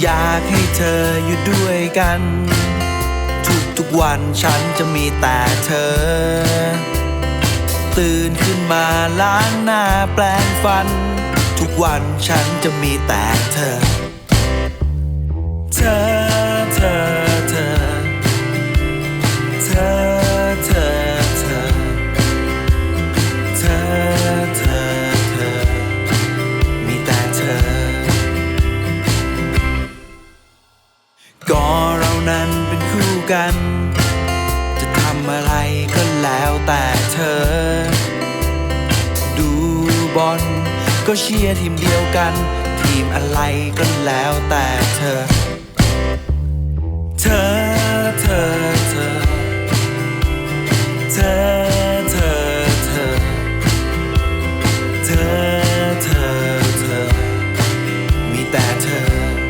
อยากให้เธออยู่ด้วยกันทุกวันฉันจะมีแต่เธอตื่นขึ้นมาล้างหน้าแปรงฟันทุกวันฉันจะมีแต่เธอเธอเธอเธอเธอเธอเธอเธอเธอเธอมีแต่เธอก็เรานั้นเป็นคู่กันจะทำอะไรก็แล้วแต่เธอดูบอลก็เชียร์ทีมเดียวกันทีมอะไรก็แล้วแต่เธอเธอเธอเธอเธอเธอเธอเธอเธอเธอมีแต่เธอ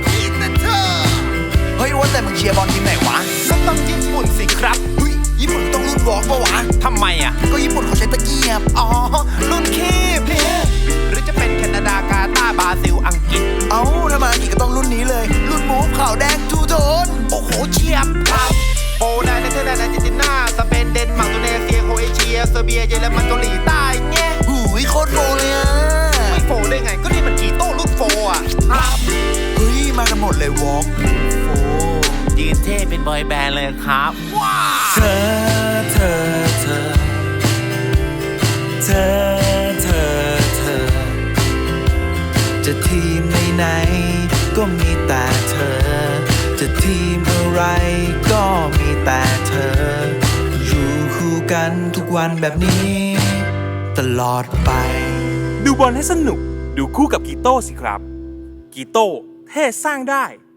เฮ้ยว่าแต่มึงเชียร์บอลทีมไหนวะก็ต้องญี่ปุ่นสิครับเฮ้ยญี่ปุ่นต้องรุ่นวอล์กปะวะทำไมอ่ะก็ญี่ปุ่นเขาใช้ตะเกียบอ๋อรุ่นคีบหรือจะเป็นแคนาดากาตาร์บราซิลอังกฤษเอ้าถ้ามาอีกก็ต้องรุ่นนี้เลยรุ่นมูฟขาวแดงทูโทนโอ้โหเฉียบครับโปแลนด์เนเธอร์แลนด์อาร์เจนตินาสเปนเดนมาร์กอินโดนีเซียโครเอเชียเซอร์เบียเยอรมันเกาหลีใต้เงี้ยหูยโคตรโฟเลยอ่ะไม่โฟได้ไงก็นี่มันกีโต้รุ่นโฟอ่ะครับเฮ้ยมากันหมดเลยวอล์กโฟยืนเท่เป็นบอยแบนด์เลยครับว้าเธอเธอเธอเธอเธอเธอจะทีมไหนๆก็มีแต่เธอจะทีมอะไรก็มีแต่เธออยู่คู่กันทุกวันแบบนี้ตลอดไปดูบอลให้สนุกดูคู่กับกีโต้สิครับกีโต้เท่สร้างได้